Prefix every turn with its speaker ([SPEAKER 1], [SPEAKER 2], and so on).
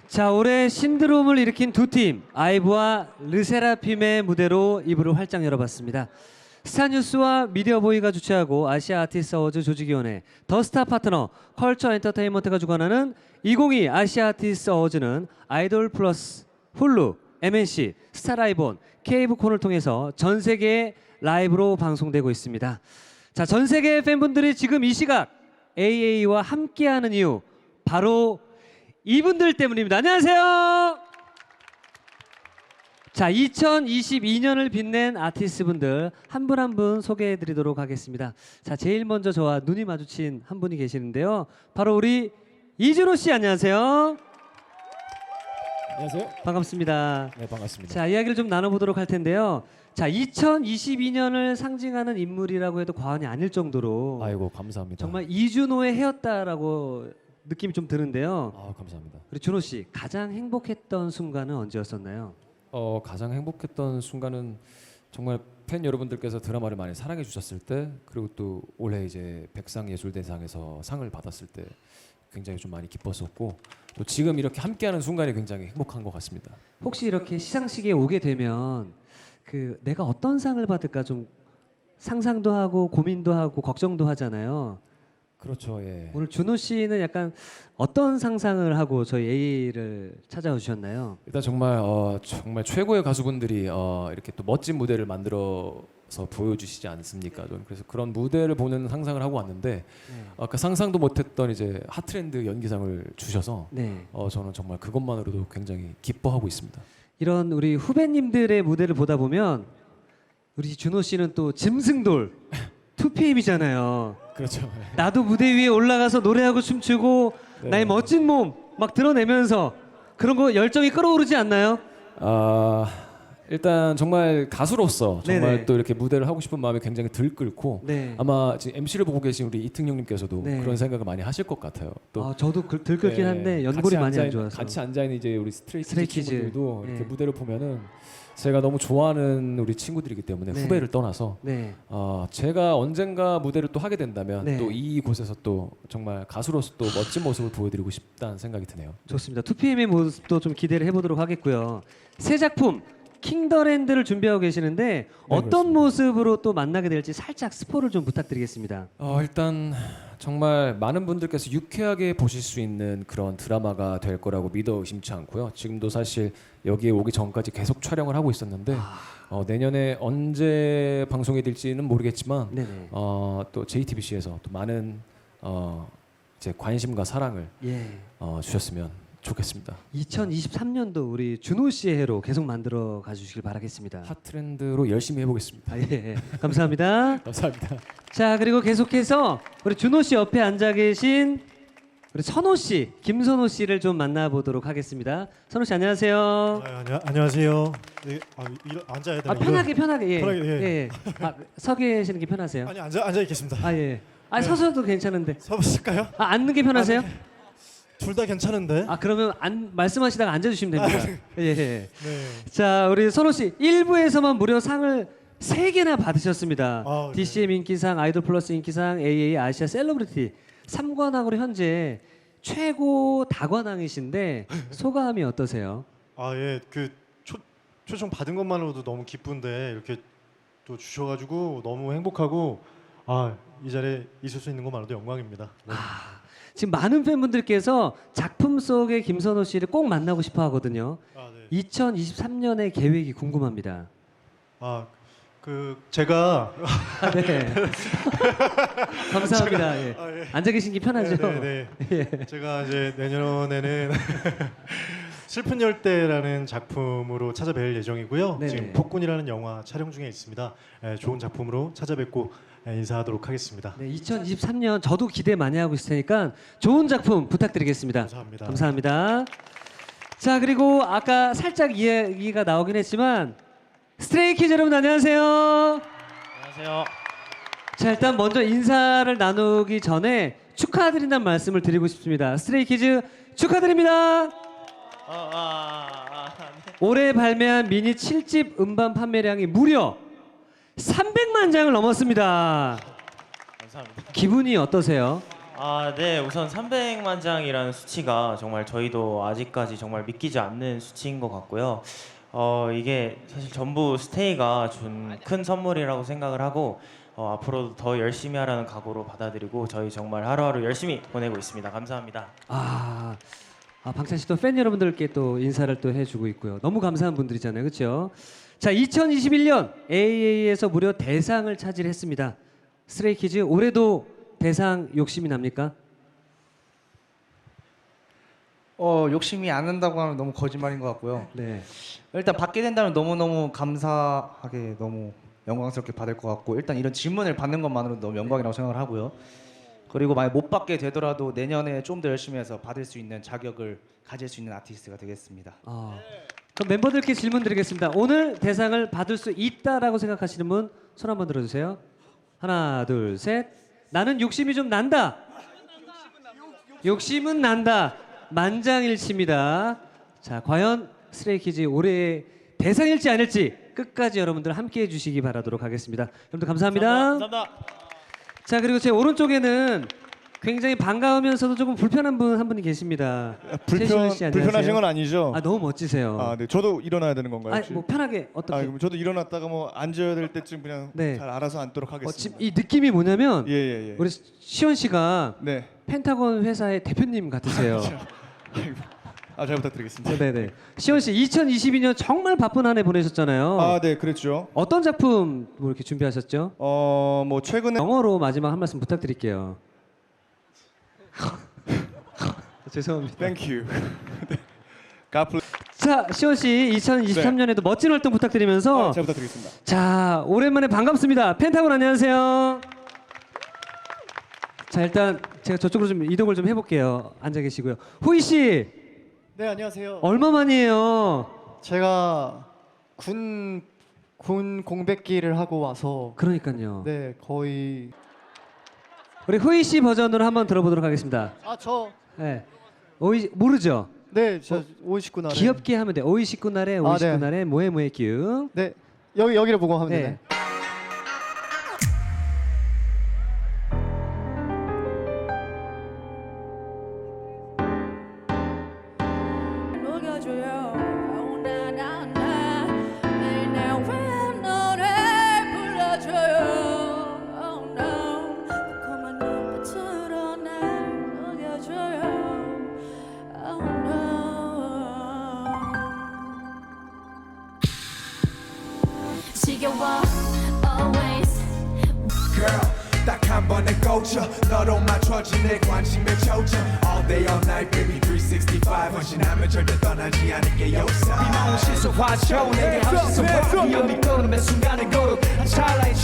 [SPEAKER 1] 자, 올해 신드롬을 일으킨 두 팀, 아이브와 르세라핌의 무대로 이불을 활짝 열어봤습니다. 스타뉴스와 미디어보이가 주최하고 아시아 아티스트 어워즈 조직위원회, 더스타 파트너, 컬처 엔터테인먼트가 주관하는 2022 아시아 아티스트 어워즈는 아이돌 플러스, 훌루, MNC, 스타라이본, 케이브콘을 통해서 전 세계에 라이브로 방송되고 있습니다. 자, 전 세계 팬분들이 지금 이 시각 AA와 함께하는 이유, 바로 이분들 때문입니다. 안녕하세요. 자, 2022년을 빛낸 아티스트분들 한 분 한 분 소개해드리도록 하겠습니다. 자, 제일 먼저 저와 눈이 마주친 한 분이 계시는데요. 바로 우리 이준호 씨, 안녕하세요.
[SPEAKER 2] 안녕하세요.
[SPEAKER 1] 반갑습니다.
[SPEAKER 2] 네, 반갑습니다.
[SPEAKER 1] 자, 이야기를 좀 나눠보도록 할 텐데요. 자, 2022년을 상징하는 인물이라고 해도 과언이 아닐 정도로
[SPEAKER 2] 아이고, 감사합니다.
[SPEAKER 1] 정말 이준호의 해였다라고 느낌이 좀 드는데요.
[SPEAKER 2] 아, 감사합니다.
[SPEAKER 1] 우리 준호 씨, 가장 행복했던 순간은 언제였었나요?
[SPEAKER 2] 가장 행복했던 순간은 정말 팬 여러분들께서 드라마를 많이 사랑해 주셨을 때, 그리고 또 올해 이제 백상예술대상에서 상을 받았을 때 굉장히 좀 많이 기뻤었고, 또 지금 이렇게 함께하는 순간이 굉장히 행복한 것 같습니다.
[SPEAKER 1] 혹시 이렇게 시상식에 오게 되면 내가 어떤 상을 받을까 좀 상상도 하고 고민도 하고 걱정도 하잖아요.
[SPEAKER 2] 그렇죠, 예.
[SPEAKER 1] 오늘 준호 씨는 약간 어떤 상상을 하고 저희 A를 찾아와 주셨나요?
[SPEAKER 2] 일단 정말 정말 최고의 가수분들이 이렇게 또 멋진 무대를 만들어서 보여주시지 않습니까? 저는 그래서 그런 무대를 보는 상상을 하고 왔는데 아까 상상도 못했던 이제 핫트렌드 연기상을 주셔서
[SPEAKER 1] 네.
[SPEAKER 2] 저는 정말 그것만으로도 굉장히 기뻐하고 있습니다.
[SPEAKER 1] 이런 우리 후배님들의 무대를 보다 보면 우리 준호 씨는 또 짐승돌 2PM이잖아요.
[SPEAKER 2] 그렇죠.
[SPEAKER 1] 나도 무대 위에 올라가서 노래하고 춤추고
[SPEAKER 2] 네.
[SPEAKER 1] 나의 멋진 몸 막 드러내면서 그런 거 열정이 끌어오르지 않나요?
[SPEAKER 2] 일단 정말 가수로서 정말
[SPEAKER 1] 네네.
[SPEAKER 2] 또 이렇게 무대를 하고 싶은 마음이 굉장히 들끓고
[SPEAKER 1] 네.
[SPEAKER 2] 아마 지금 MC를 보고 계신 우리 이특용님께서도
[SPEAKER 1] 네.
[SPEAKER 2] 그런 생각을 많이 하실 것 같아요. 또
[SPEAKER 1] 저도 들끓긴 한데 연골이 많이 안 좋아서.
[SPEAKER 2] 같이 앉아 있는 이제 우리 스트레이키즈
[SPEAKER 1] 스트레이키즈.
[SPEAKER 2] 친구들도 이렇게
[SPEAKER 1] 네.
[SPEAKER 2] 무대를 보면은 제가 너무 좋아하는 우리 친구들이기 때문에
[SPEAKER 1] 네.
[SPEAKER 2] 후배를 떠나서
[SPEAKER 1] 네.
[SPEAKER 2] 제가 언젠가 무대를 또 하게 된다면
[SPEAKER 1] 네.
[SPEAKER 2] 또 이곳에서 또 정말 가수로서 또 멋진 모습을 보여드리고 싶다는 생각이 드네요.
[SPEAKER 1] 좋습니다. 2PM의 모습도 좀 기대를 해보도록 하겠고요. 새 작품 킹더랜드를 준비하고 계시는데 어떤
[SPEAKER 2] 그렇습니다.
[SPEAKER 1] 모습으로 또 만나게 될지 살짝 스포를 좀 부탁드리겠습니다.
[SPEAKER 2] 일단 정말 많은 분들께서 유쾌하게 보실 수 있는 그런 드라마가 될 거라고 믿어 의심치 않고요. 지금도 사실 여기에 오기 전까지 계속 촬영을 하고 있었는데 내년에 언제 방송이 될지는 모르겠지만
[SPEAKER 1] 네네.
[SPEAKER 2] 또 JTBC에서 또 많은 이제 관심과 사랑을
[SPEAKER 1] 예.
[SPEAKER 2] 주셨으면 좋겠습니다.
[SPEAKER 1] 2023년도 우리 준호 씨의 해로 계속 만들어 가주시길 바라겠습니다.
[SPEAKER 2] 핫트렌드로 열심히 해보겠습니다.
[SPEAKER 1] 예. 감사합니다.
[SPEAKER 2] 감사합니다.
[SPEAKER 1] 자, 그리고 계속해서 우리 준호 씨 옆에 앉아 계신 우리 선호 씨, 김선호 씨를 좀 만나보도록 하겠습니다. 선호 씨, 안녕하세요.
[SPEAKER 3] 안녕하세요. 앉아야 되나?
[SPEAKER 1] 편하게 예.
[SPEAKER 3] 편하게, 예.
[SPEAKER 1] 예. 서 계시는 게 편하세요?
[SPEAKER 3] 아니 앉아 있겠습니다.
[SPEAKER 1] 예. 서서도 괜찮은데.
[SPEAKER 3] 서보실까요?
[SPEAKER 1] 앉는 게 편하세요?
[SPEAKER 3] 둘 다 괜찮은데.
[SPEAKER 1] 그러면 말씀하시다가 앉아주시면 됩니다. 예.
[SPEAKER 3] 네.
[SPEAKER 1] 자, 우리 선호 씨 1부에서만 무려 상을 3개나 받으셨습니다.
[SPEAKER 3] 네.
[SPEAKER 1] DCM 인기상, 아이돌 플러스 인기상, AA 아시아 셀러브리티 3관왕으로 현재 최고 다관왕이신데 소감이 어떠세요?
[SPEAKER 3] 예. 초청 받은 것만으로도 너무 기쁜데 이렇게 또 주셔가지고 너무 행복하고 이 자리에 있을 수 있는 것만으로도 영광입니다. 네.
[SPEAKER 1] 지금 많은 팬분들께서 작품 속의 김선호 씨를 꼭 만나고 싶어 하거든요.
[SPEAKER 3] 네.
[SPEAKER 1] 2023년의 계획이 궁금합니다.
[SPEAKER 3] 제가
[SPEAKER 1] 네. 감사합니다. 예.
[SPEAKER 3] 예.
[SPEAKER 1] 앉아 계신 게 편하죠?
[SPEAKER 3] 네.
[SPEAKER 1] 예.
[SPEAKER 3] 제가 이제 내년에는 슬픈 열대라는 작품으로 찾아뵐 예정이고요.
[SPEAKER 1] 네네.
[SPEAKER 3] 지금 폭군이라는 영화 촬영 중에 있습니다. 좋은 작품으로 찾아뵙고 인사하도록 하겠습니다.
[SPEAKER 1] 네, 2023년 저도 기대 많이 하고 있을 테니까 좋은 작품 부탁드리겠습니다.
[SPEAKER 3] 감사합니다.
[SPEAKER 1] 감사합니다. 자, 그리고 아까 살짝 이야기가 나오긴 했지만 스트레이키즈 여러분 안녕하세요.
[SPEAKER 4] 안녕하세요.
[SPEAKER 1] 자, 일단 먼저 인사를 나누기 전에 축하드린다는 말씀을 드리고 싶습니다. 스트레이키즈 축하드립니다. 올해 발매한 미니 7집 음반 판매량이 무려 300만 장을 넘었습니다.
[SPEAKER 4] 감사합니다.
[SPEAKER 1] 기분이 어떠세요?
[SPEAKER 4] 네, 우선 300만 장이라는 수치가 정말 저희도 아직까지 정말 믿기지 않는 수치인 것 같고요. 이게 사실 전부 스테이가 준 큰 선물이라고 생각을 하고 앞으로도 더 열심히 하라는 각오로 받아들이고 저희 정말 하루하루 열심히 보내고 있습니다. 감사합니다.
[SPEAKER 1] 방찬 씨도 팬 여러분들께 또 인사를 또 해주고 있고요. 너무 감사한 분들이잖아요, 그렇죠? 자, 2021년 AA에서 무려 대상을 차지했습니다. 스트레이키즈 올해도 대상 욕심이 납니까?
[SPEAKER 5] 욕심이 안 난다고 하면 너무 거짓말인 것 같고요.
[SPEAKER 1] 네.
[SPEAKER 5] 일단 받게 된다면 너무너무 감사하게 너무 영광스럽게 받을 것 같고 일단 이런 질문을 받는 것만으로도 너무 영광이라고 생각을 하고요. 그리고 만약 못 받게 되더라도 내년에 좀 더 열심히 해서 받을 수 있는 자격을 가질 수 있는 아티스트가 되겠습니다.
[SPEAKER 1] 그럼 멤버들께 질문 드리겠습니다. 오늘 대상을 받을 수 있다라고 생각하시는 분 손 한번 들어주세요. 하나, 둘, 셋. 나는 욕심이 좀 난다. 욕심은 난다. 만장일치입니다. 자, 과연 스트레이키즈 올해의 대상일지 아닐지 끝까지 여러분들 함께해 주시기 바라도록 하겠습니다. 여러분들 감사합니다.
[SPEAKER 4] 감사합니다.
[SPEAKER 1] 자, 그리고 제 오른쪽에는 굉장히 반가우면서도 조금 불편한 분 한 분이 계십니다. 최시원 씨, 안녕하세요.
[SPEAKER 6] 불편하신 건 아니죠?
[SPEAKER 1] 너무 멋지세요.
[SPEAKER 6] 네. 저도 일어나야 되는 건가요? 혹시?
[SPEAKER 1] 뭐 편하게 어떻게?
[SPEAKER 6] 그럼 저도 일어났다가 뭐 앉아야 될 때쯤 그냥
[SPEAKER 1] 네.
[SPEAKER 6] 잘 알아서 앉도록
[SPEAKER 1] 지금
[SPEAKER 6] 하겠습니다.
[SPEAKER 1] 이 느낌이 뭐냐면
[SPEAKER 6] 예.
[SPEAKER 1] 우리 시원 씨가
[SPEAKER 6] 네.
[SPEAKER 1] 펜타곤 회사의 대표님 같으세요.
[SPEAKER 6] 잘 부탁드리겠습니다.
[SPEAKER 1] 네네. 시원 씨 2022년 정말 바쁜 한 해 보내셨잖아요.
[SPEAKER 6] 네, 그랬죠.
[SPEAKER 1] 어떤 작품 뭐 이렇게 준비하셨죠?
[SPEAKER 6] 뭐 최근에
[SPEAKER 1] 영어로 마지막 한 말씀 부탁드릴게요. 죄송합니다.
[SPEAKER 6] Thank you. 네. God bless.
[SPEAKER 1] 자, 시원 씨 2023년에도 멋진 활동 부탁드리면서
[SPEAKER 6] 잘 부탁드리겠습니다.
[SPEAKER 1] 자, 오랜만에 반갑습니다. 펜타곤 안녕하세요. 자, 일단 제가 저쪽으로 좀 이동을 좀 해볼게요. 앉아 계시고요. 후이 씨
[SPEAKER 3] 네, 안녕하세요.
[SPEAKER 1] 얼마 만이에요?
[SPEAKER 3] 제가 군 공백기를 하고 와서
[SPEAKER 1] 그러니까요.
[SPEAKER 3] 네, 거의
[SPEAKER 1] 우리 후이 씨 버전으로 한번 들어보도록 하겠습니다. 네. 오이 모르죠?
[SPEAKER 3] 저 59날
[SPEAKER 1] 귀엽게 하면 돼. 오이 식구 날에 오이 식구 날에 모에 모에 끼우.
[SPEAKER 3] 네. 여기를 보고 하면
[SPEAKER 1] 네.
[SPEAKER 7] 녹여줘요. 나나나 매일 내 노래 불러줘요. Oh no, 달콤한 눈빛으로 날 녹여줘요. Oh no. 지겨워 always.
[SPEAKER 8] Girl, 딱 한 번에 꽂혀 너로 맞춰진 내 관심에 초점 All day all night baby 365 헌신하면 절대 떠나지 않을게 요사 이 마음 시소 화초 내게 한시선 봐 위험이 떠오르는 순간의 거룩 찰나의